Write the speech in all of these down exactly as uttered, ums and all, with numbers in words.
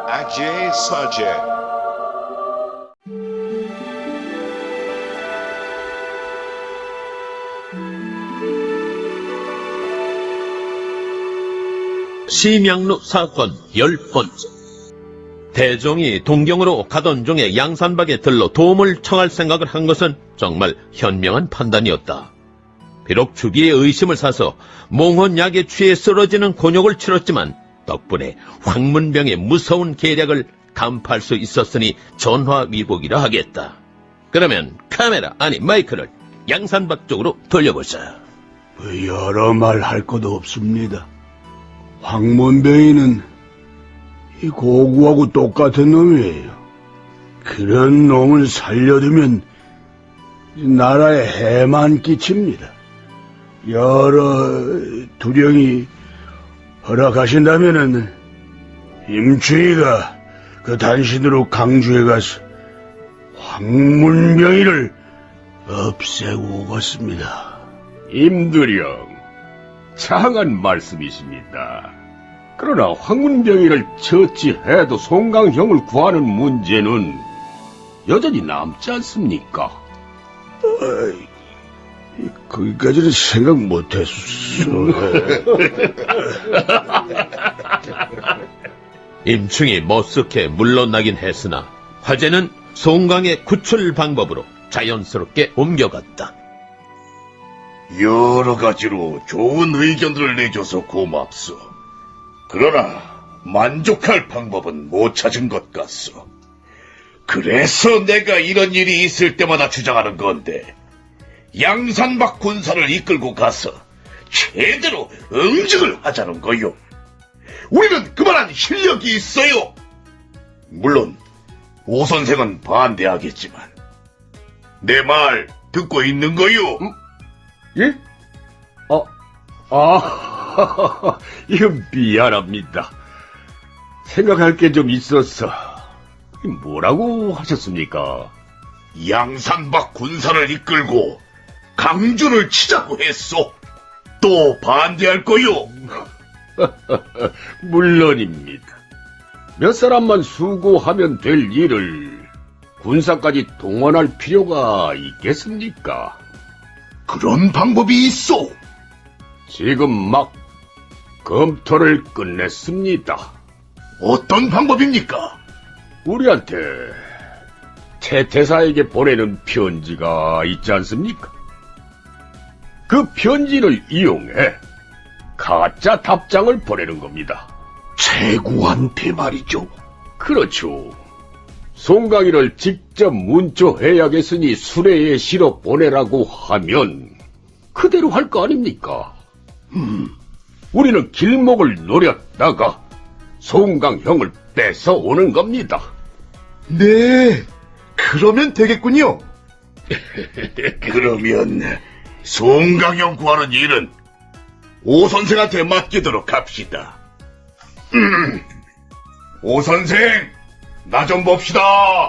Ajay Sajay. 심양루 사건 열 번째. 대종이 동경으로 가던 중에 양산박에 들러 도움을 청할 생각을 한 것은 정말 현명한 판단이었다. 비록 주비의 의심을 사서 몽혼약에 취해 쓰러지는 곤욕을 치렀지만 덕분에 황문병의 무서운 계략을 간파할 수 있었으니 전화위복이라 하겠다. 그러면 카메라, 아니 마이크를 양산박 쪽으로 돌려보자. 여러 말 할 것도 없습니다. 황문병이는 이 고구하고 똑같은 놈이에요. 그런 놈을 살려두면 나라에 해만 끼칩니다. 여러 두령이 허락하신다면은 임충이가 그 단신으로 강주에 가서 황문병이를 없애고 오겠습니다. 임두령, 장한 말씀이십니다. 그러나 황문병이를 처치해도 송강형을 구하는 문제는 여전히 남지 않습니까? 어이, 거기까지는 생각 못했어. 임충이 머쓱해 물러나긴 했으나 화제는 송강의 구출 방법으로 자연스럽게 옮겨갔다. 여러 가지로 좋은 의견들을 내줘서 고맙소. 그러나 만족할 방법은 못 찾은 것 같소. 그래서 내가 이런 일이 있을 때마다 주장하는 건데, 양산박 군사를 이끌고 가서 제대로 응징을 하자는 거요. 우리는 그만한 실력이 있어요. 물론 오 선생은 반대하겠지만 내 말 듣고 있는 거요. 음? 예? 아, 아, 이거 미안합니다. 생각할 게 좀 있어서. 뭐라고 하셨습니까? 양산박 군사를 이끌고 강주를 치자고 했소. 또 반대할 거요. 물론입니다. 몇 사람만 수고하면 될 일을 군사까지 동원할 필요가 있겠습니까? 그런 방법이 있소. 지금 막 검토를 끝냈습니다. 어떤 방법입니까? 우리한테 태태사에게 보내는 편지가 있지 않습니까? 그 편지를 이용해 가짜 답장을 보내는 겁니다. 최구한테 말이죠. 그렇죠. 송강이를 직접 문조해야겠으니 수레에 실어 보내라고 하면 그대로 할 거 아닙니까? 음, 우리는 길목을 노렸다가 송강형을 뺏어 오는 겁니다. 네, 그러면 되겠군요. 그러면 송강형 구하는 일은 오 선생한테 맡기도록 합시다. 음, 오 선생, 나 좀 봅시다.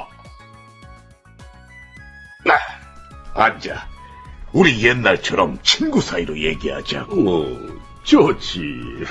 아, 앉아. 우리 옛날처럼 친구 사이로 얘기하자. 어, 좋지.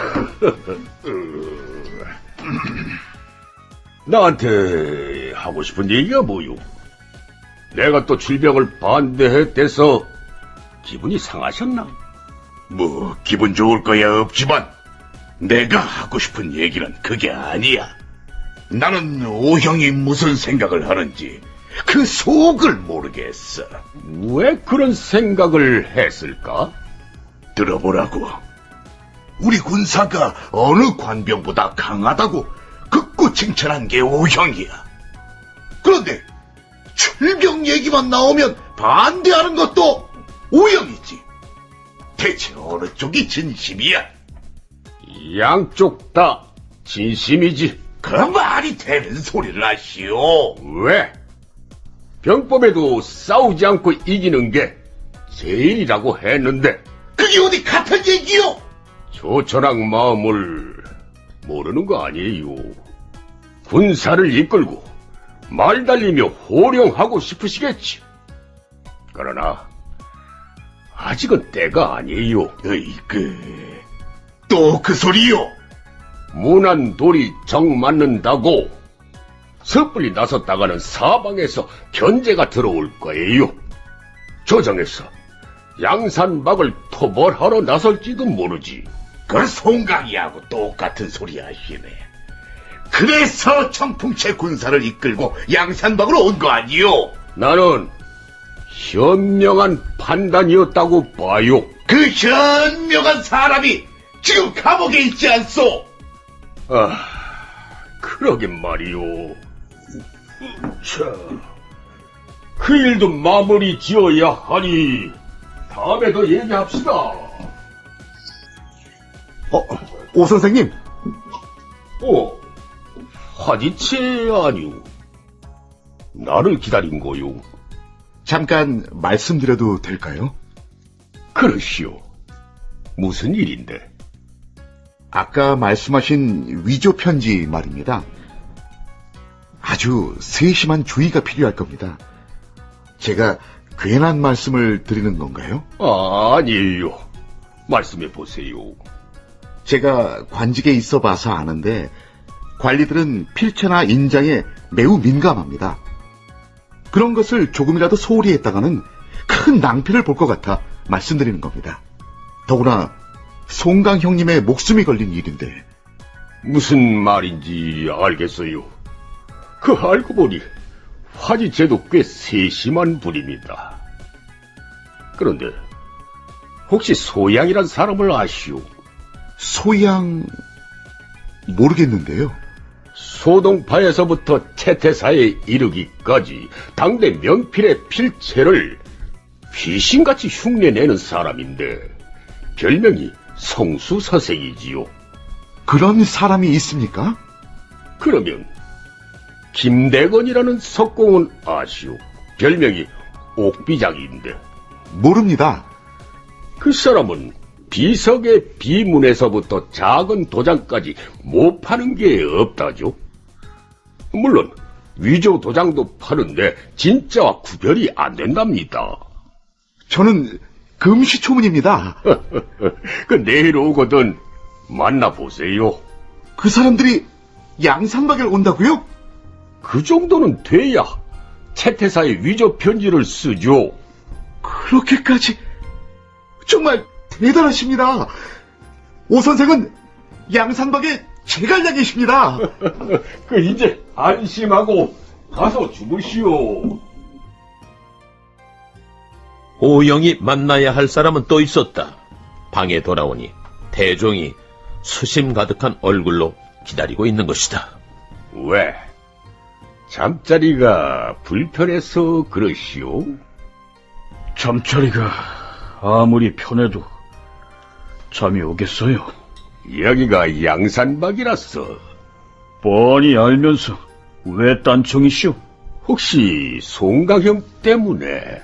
나한테 하고 싶은 얘기가 뭐요? 내가 또 질병을 반대했대서 기분이 상하셨나? 뭐 기분 좋을 거야 없지만 내가 하고 싶은 얘기는 그게 아니야. 나는 오형이 무슨 생각을 하는지 그 속을 모르겠어. 왜 그런 생각을 했을까? 들어보라고. 우리 군사가 어느 관병보다 강하다고 극구 칭찬한 게 오형이야. 그런데 출병 얘기만 나오면 반대하는 것도 오형이지. 대체 어느 쪽이 진심이야? 양쪽 다 진심이지. 그 말이 되는 소리를 하시오. 왜? 병법에도 싸우지 않고 이기는 게 제일이라고 했는데 그게 어디 같은 얘기요? 조천왕 마음을 모르는 거 아니에요. 군사를 이끌고 말 달리며 호령하고 싶으시겠지. 그러나 아직은 때가 아니에요. 으이그 또 그 소리요. 무난 돌이 정 맞는다고 섣불리 나섰다가는 사방에서 견제가 들어올 거예요. 조정에서 양산박을 토벌하러 나설지도 모르지. 그 송강이하고 똑같은 소리 하시네. 그래서 청풍채 군사를 이끌고 양산박으로 온 거 아니요? 나는 현명한 판단이었다고 봐요. 그 현명한 사람이 지금 감옥에 있지 않소? 아, 그러긴 말이오. 자, 그 일도 마무리 지어야 하니 다음에 더 얘기합시다. 어, 오 선생님, 어, 화지체 아니오. 나를 기다린 거요. 잠깐 말씀드려도 될까요? 그러시오. 무슨 일인데? 아까 말씀하신 위조 편지 말입니다. 아주 세심한 주의가 필요할 겁니다. 제가 괜한 말씀을 드리는 건가요? 아, 아니에요. 말씀해 보세요. 제가 관직에 있어 봐서 아는데 관리들은 필체나 인장에 매우 민감합니다. 그런 것을 조금이라도 소홀히 했다가는 큰 낭패를 볼 것 같아 말씀드리는 겁니다. 더구나 송강 형님의 목숨이 걸린 일인데. 무슨 말인지 알겠어요. 그 알고 보니 화지체도 꽤 세심한 분입니다. 그런데 혹시 소양이란 사람을 아시오? 소양... 모르겠는데요. 소동파에서부터 채태사에 이르기까지 당대 명필의 필체를 귀신같이 흉내내는 사람인데 별명이 성수서생이지요. 그런 사람이 있습니까? 그러면 김대건이라는 석공은 아시오? 별명이 옥비장인데 모릅니다. 그 사람은 비석의 비문에서부터 작은 도장까지 못 파는 게 없다죠. 물론 위조 도장도 파는데 진짜와 구별이 안 된답니다. 저는 금시초문입니다. 그 내일 오거든 만나보세요. 그 사람들이 양산박에 온다고요? 그 정도는 돼야 채태사의 위조 편지를 쓰죠. 그렇게까지... 정말 대단하십니다. 오 선생은 양산박의 제갈량이십니다. 그 이제 안심하고 가서 주무시오. 오영이 만나야 할 사람은 또 있었다. 방에 돌아오니 대종이 수심 가득한 얼굴로 기다리고 있는 것이다. 왜? 잠자리가 불편해서 그러시오? 잠자리가 아무리 편해도 잠이 오겠어요? 여기가 양산박이라서 뻔히 알면서 왜 딴청이시오? 혹시 송강형 때문에?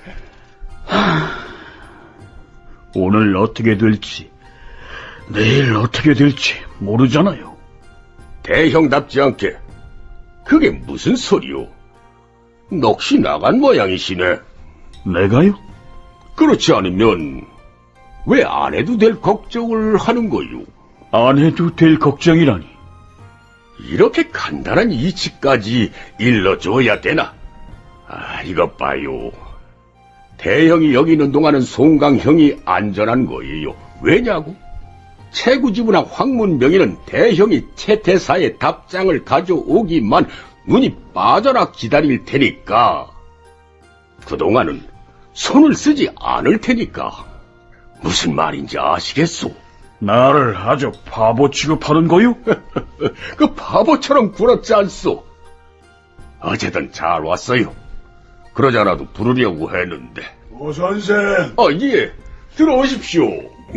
오늘 어떻게 될지, 내일 어떻게 될지 모르잖아요. 대형답지 않게 그게 무슨 소리요? 넋이 나간 모양이시네. 내가요? 그렇지 않으면 왜 안 해도 될 걱정을 하는 거요? 안 해도 될 걱정이라니. 이렇게 간단한 이치까지 일러줘야 되나? 아, 이것 봐요. 대형이 여기 있는 동안은 송강형이 안전한 거예요. 왜냐고? 채구지부나 황문명의는 대형이 채태사의 답장을 가져오기만 눈이 빠져라 기다릴 테니까 그동안은 손을 쓰지 않을 테니까. 무슨 말인지 아시겠소? 나를 아주 바보 취급하는 거요? 그 바보처럼 굴었지 않소? 어쨌든 잘 왔어요. 그러지 않아도 부르려고 했는데. 오 선생. 아, 예. 들어오십시오.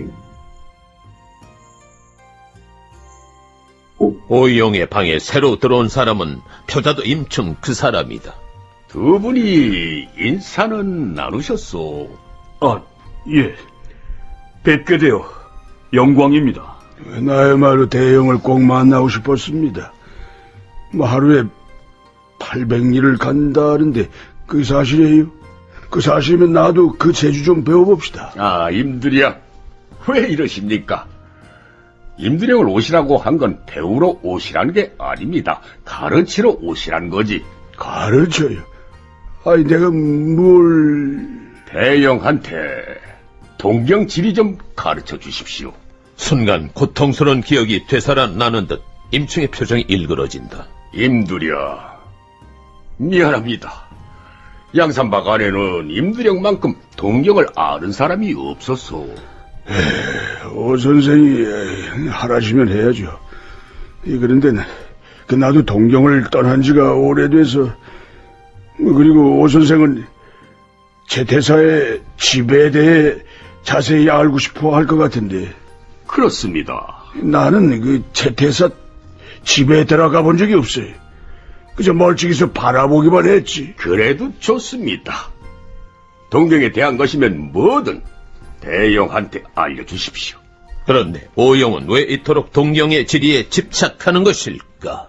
오영의 방에 새로 들어온 사람은 표자도 임충 그 사람이다. 두 분이 인사는 나누셨소? 아, 예. 뵙게 되어 영광입니다. 나야말로 대형을 꼭 만나고 싶었습니다. 뭐 하루에 팔백 리를 간다는데 그게 사실이에요? 그 사실이면 나도 그 재주 좀 배워봅시다. 아, 임들이야. 왜 이러십니까? 임두령을 오시라고 한 건 배우러 오시라는 게 아닙니다. 가르치러 오시란 거지. 가르쳐요? 아니, 내가 뭘... 대영한테 동경 지리 좀 가르쳐 주십시오. 순간 고통스러운 기억이 되살아나는 듯 임충의 표정이 일그러진다. 임두령, 미안합니다. 양산박 안에는 임두령만큼 동경을 아는 사람이 없었소. 오 선생이 하라시면 해야죠. 이, 그런데 그 나도 동경을 떠난 지가 오래돼서, 그리고 오 선생은 제 대사의 지배에 대해 자세히 알고 싶어 할 것 같은데, 그렇습니다. 나는 그 채태사 집에 들어가 본 적이 없어요. 그저 멀찍이서 바라보기만 했지. 그래도 좋습니다. 동경에 대한 것이면 뭐든 대영한테 알려주십시오. 그런데 오영은 왜 이토록 동경의 지리에 집착하는 것일까?